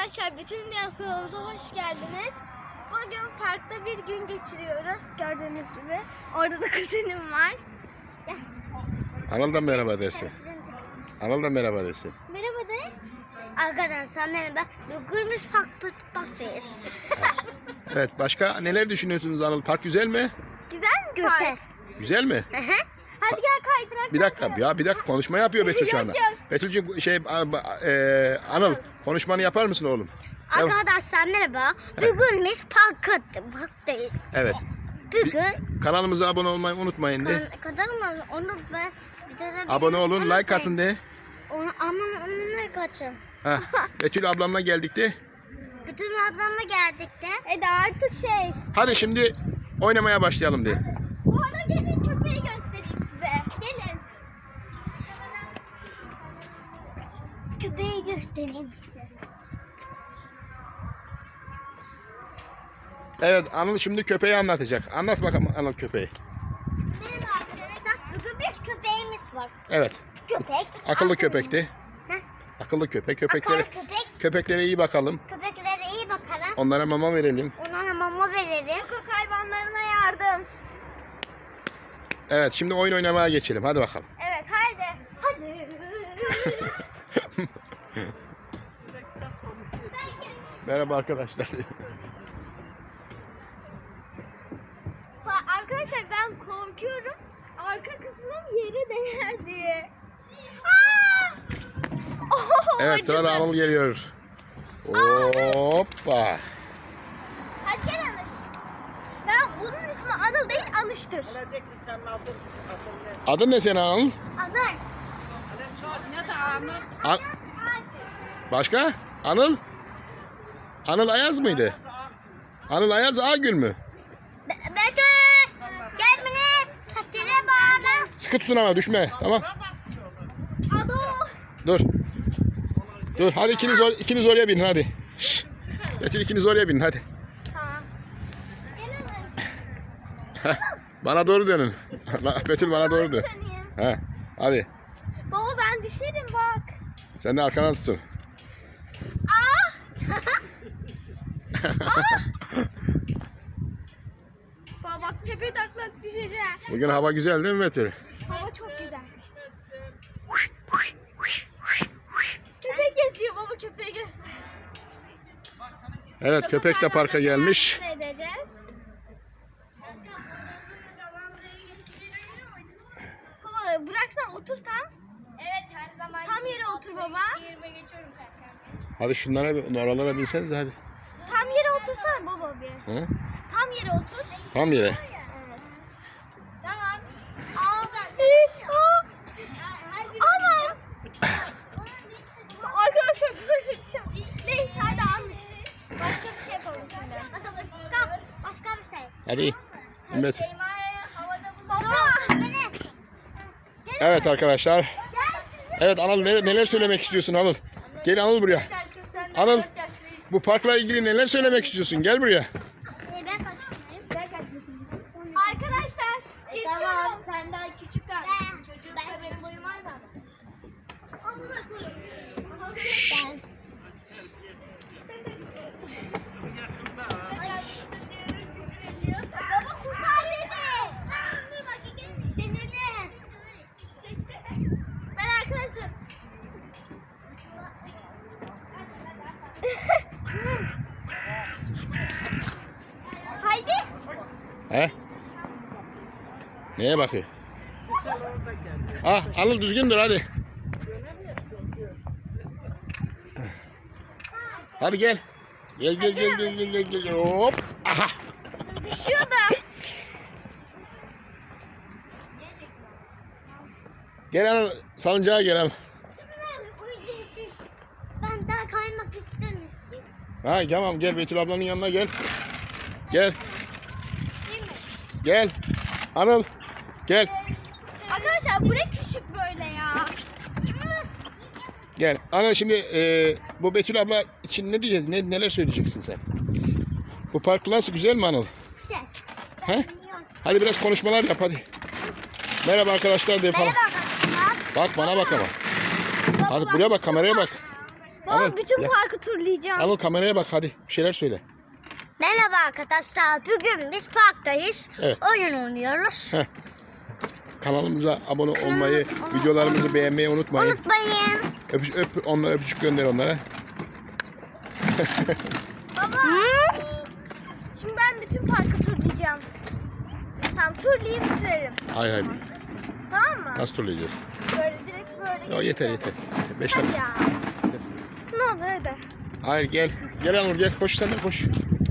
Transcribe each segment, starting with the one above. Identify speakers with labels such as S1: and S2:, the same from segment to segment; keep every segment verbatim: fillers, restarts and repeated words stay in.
S1: Arkadaşlar bütün Dünya kanalımıza hoş geldiniz. Bugün parkta bir gün geçiriyoruz. Gördüğünüz gibi. Orada da kuzenim var. Gel.
S2: Anıl da merhaba dersin. Anıl da merhaba dersin.
S1: Merhaba de. Arkadaşlar merhaba. Bugün biz park, parktayız.
S2: Evet, başka neler düşünüyorsunuz Anıl? Park güzel mi?
S1: Güzel mi Güzel. Park?
S2: Güzel mi?
S1: Hadi gel kaydırak.
S2: Bir dakika ya, bir dakika konuşma yapıyor Betül şu anda.
S1: Yok, yok.
S2: Betül'cüğüm şey e, Anıl konuşmanı yapar mısın oğlum?
S1: Arkadaşlar merhaba. Bugün biz park, parktayız.
S2: Evet.
S1: Bugün
S2: Kanalımıza abone olmayı unutmayın de.
S1: kadar mı? Onu ben bir tane
S2: Abone olun, like atın de.
S1: Onu aman onu like atın.
S2: Ha. Betül ablamla geldik de.
S1: Bütün ablamla geldik de. E de artık şey.
S2: Hadi şimdi oynamaya başlayalım de.
S1: Bu arada gelin köpeği göstereyim size. Gelin. Köpeği göstereyim size.
S2: Evet, Anıl şimdi köpeği anlatacak. Anlat bakalım Anıl köpeği.
S1: Merhaba arkadaşlar. Bugün bir köpeğimiz var.
S2: Evet.
S1: Köpek.
S2: Akıllı
S1: aferin.
S2: köpekti.
S1: Heh.
S2: Akıllı köpek. Köpeklere,
S1: Akıllı köpek.
S2: köpeklere iyi bakalım.
S1: Köpeklere iyi bakalım.
S2: Onlara mama verelim.
S1: Onlara mama verelim. Sokak hayvanlarına yardım.
S2: Evet, şimdi oyun oynamaya geçelim. Hadi bakalım.
S1: Evet haydi. Hadi.
S2: Merhaba arkadaşlar.
S1: Arkadaşlar ben korkuyorum. Arka kısmım yere değer diye. Aa! Oh,
S2: Evet, sırada Anıl geliyor. Hoppa.
S1: Hadi gel Anış. Ben bunun ismi Anıl değil Anış'tır.
S2: Adın ne senin Anıl?
S1: Anıl.
S2: An Başka? Anıl? Anıl Ayaz mıydı? Anıl Ayaz Ağgül mü?
S1: Be Betül. Gel beni. Tatile bağla.
S2: Sıkı tutun ama düşme. Tamam.
S1: Ado.
S2: Dur. Dur. Hadi ikiniz, or ikiniz oraya binin hadi. Şşş. Betül ikiniz oraya binin hadi.
S1: Tamam. Gel Anıl.
S2: Heh, bana doğru dönün. Betül bana doğru dön.
S1: Döneyim.
S2: He. Hadi.
S1: Baba ben düşerim bak.
S2: Sen de arkadan tutun.
S1: Aa! Baba bak tepe taklak düşeceğim.
S2: Bugün hava güzel değil mi Betül?
S1: Hava çok güzel. Köpek geziyor baba köpeği göster.
S2: Evet, köpek de parka gelmiş.
S1: Ne edeceğiz? Baba bıraksan otur tam.
S3: Evet her zaman.
S1: Tam yere otur baba.
S3: Yerime geçiyorum zaten.
S2: Hadi şunlara, oralara binseniz hadi.
S1: Tam yere otursana baba bir.
S2: Hı?
S1: Tam yere otur.
S2: Tam yere.
S1: Evet.
S3: Tamam.
S1: Aa, iyi. Aa. Anam. Arkadaşlar böyle düşeceğim. Neyse hadi almış. Başka bir şey yapalım şimdi. Hadi başka, başka bir şey.
S2: Hadi. Evet.
S3: Şeyma'ya havada bul.
S1: Baba beni.
S2: Evet arkadaşlar. Evet Anıl, neler, neler söylemek istiyorsun Anıl? Gel Anıl buraya.
S3: Kız sen de
S2: Anıl,
S3: dört yaş büyük.
S2: bu parkla ilgili neler söylemek istiyorsun? Gel buraya.
S1: Ben kaçmayayım.
S3: Ben kaç yaşındayım?
S1: Arkadaşlar
S3: E,
S1: geçiyorum.
S3: tamam sen daha küçük kardeşim. Çocuklar benim boyum var zaten.
S1: Ben. Baba kurtar beni. Seni de. Ben arkadaşlar. Haydi.
S2: He? Neye bakıyor? Ah Anıl düzgün dur hadi. Hadi gel. Gel gel gel gel gel gel gel. Hop. Aha.
S1: Düşüyor da.
S2: Gel Anıl, salıncağa gel Anıl.
S1: Ben daha kaymak istemiyorum.
S2: Ha tamam, gel Betül ablanın yanına gel. Gel. Gel. Anıl. Gel.
S1: Arkadaşlar bu ne küçük böyle ya.
S2: Gel. Anıl şimdi e, bu Betül abla için ne diyeceksin? Ne, neler söyleyeceksin sen? Bu park nasıl, güzel mi Anıl?
S1: Güzel.
S2: He? Hadi biraz konuşmalar yap hadi. Merhaba arkadaşlar de falan.
S1: Merhaba arkadaşlar.
S2: Bak bana bak ama.
S1: Baba
S2: Hadi
S1: bak,
S2: buraya bak, kameraya bak.
S1: Baba bütün
S2: ya.
S1: parkı turlayacağım.
S2: Anıl kameraya bak hadi. Bir şeyler söyle.
S4: Merhaba arkadaşlar. Bugün biz parktayız.
S2: Evet.
S4: Oyun oynuyoruz.
S2: Heh. Kanalımıza abone olmayı,
S4: Kanalımıza-
S2: videolarımızı beğenmeyi unutmayın.
S4: Unutmayın.
S2: Öp, öp onlara öpücük gönder onlara.
S1: Baba.
S4: Hı?
S1: Şimdi ben bütün parkı turlayacağım. Tamam turlayıp bitirelim.
S2: Hayır hayır.
S1: Tamam mı?
S2: Nasıl turlayacağız?
S1: Böyle direkt böyle.
S2: Ya yeter
S1: geçeceğim.
S2: yeter. Beş
S1: Hadi
S2: dakika.
S1: ya. Ne olur hadi.
S2: Hayır gel. Gel Anıl gel. Koş sen de koş.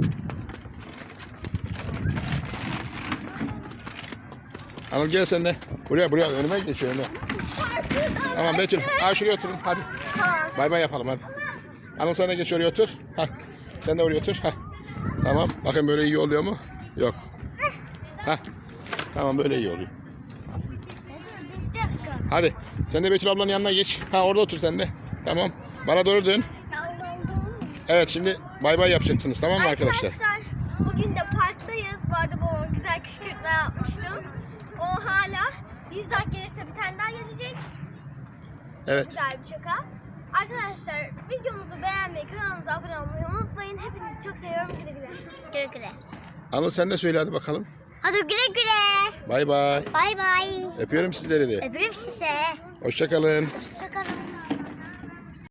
S2: Anıl gel sen de. Buraya buraya önüme geç önüme. Tamam Betül. Ha şuraya oturun hadi.
S1: Tamam.
S2: Bay bay yapalım hadi. Anıl sen de geç oraya otur. Hah. Sen de oraya otur. Hah. Tamam. Bakın böyle iyi oluyor mu? Yok. Hah. Tamam böyle iyi oluyor.
S1: Bir dakika.
S2: Hadi. Sen de Betül ablanın yanına geç. Ha orada otur sen de. Tamam. Bana doğru dön. Evet şimdi bay bay yapacaksınız tamam mı arkadaşlar?
S1: Bugün de parktayız. Bu arada babama güzel kışkırtma yapmıştım. O hala yüz like gelirse bir tane daha gelecek.
S2: Evet.
S1: Güzel bir şaka. Arkadaşlar videomuzu beğenmeyi, kanalımıza abone olmayı unutmayın. Hepinizi çok seviyorum. Güle güle.
S4: Güle güle.
S2: Anıl sen de söyle hadi bakalım.
S4: Hadi güle güle.
S2: Bay bay.
S4: Bay bay.
S2: Öpüyorum sizleri de.
S4: Öpürüm size.
S2: Hoşça kalın.
S4: Hoşçakalın.